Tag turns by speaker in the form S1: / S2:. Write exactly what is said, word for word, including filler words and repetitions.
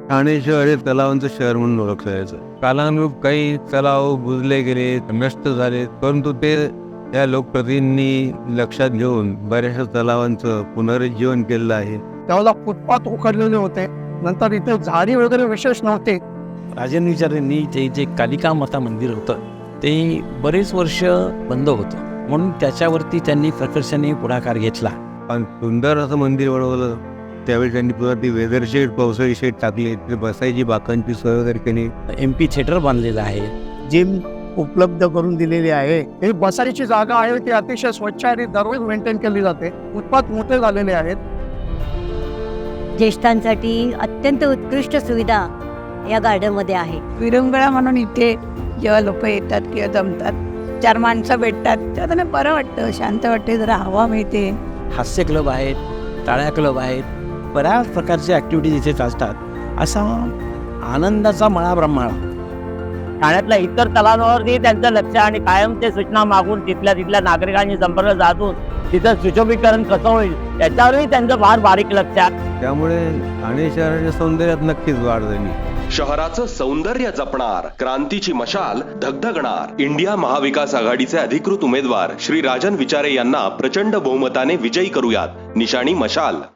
S1: ठाणे शहर हे तलावांचं शहर म्हणून ओळखलं जायचं. कालानुरूप काही तलाव बुजले गेले, नष्ट झाले, परंतु ते या लोकप्रतिनिधींनी लक्षात घेऊन बऱ्याचशा तलावांचं पुनरुज्जीवन केलेलं आहे.
S2: त्यावेळेला फुटपाथ उखडलेले होते. नंतर इथे झाडी वगैरे विशेष नव्हते.
S3: राजन विचारेंनी ते जे कालिका माता मंदिर होतं ते बरेच वर्ष बंद होतं, म्हणून त्याच्यावरती त्यांनी प्रकर्षाने पुढाकार घेतला.
S1: पण सुंदर असं मंदिर बनवलं. त्यावेळी त्यांनी पुन्हा ती वेदर शेड, पावसाळी शेड टाकली, तिथे बसायची बाकांची सोय वगैरे केली.
S3: एम पी थिएटर बांधलेलं आहे.
S2: जिम उपलब्ध करून दिलेली आहे. ही बसायची जागा आहे ती अतिशय स्वच्छ आणि दररोज मेंटेन केली जाते. फुटपाथ मोठे झालेले आहेत.
S4: ज्येष्ठांसाठी अत्यंत उत्कृष्ट सुविधा या गार्डनमध्ये आहे.
S5: विरंगुळा म्हणून इथे जेव्हा लोक येतात किंवा जमतात, चार माणसं भेटतात, तेव्हा त्यांना बरं वाटतं, शांत वाटते, जरा हवा मिळते.
S3: हास्य क्लब आहेत, टाळ्या क्लब आहेत, बऱ्याच प्रकारच्या ॲक्टिव्हिटीज इथे चालतात. असा आनंदाचा मळा ब्रह्माळा.
S6: ठाण्यातल्या इतर तलावांवरती त्यांचं लक्ष आणि कायम ते सूचना मागून तिथल्या तिथल्या नागरिकांनी संपर्क साधून तिथं सुशोभीकरण कसं होईल त्याच्यावरही त्यांचं फार बारीक लक्ष आहे.
S1: त्यामुळे ठाणे शहराच्या सौंदर्यात नक्कीच वाढ झाली.
S7: शहराचं सौंदर्य जपणार, क्रांतीची मशाल धगधगणार. इंडिया महाविकास आघाडीचे अधिकृत उमेदवार श्री राजन विचारे यांना प्रचंड बहुमताने विजयी करूयात. निशाणी मशाल.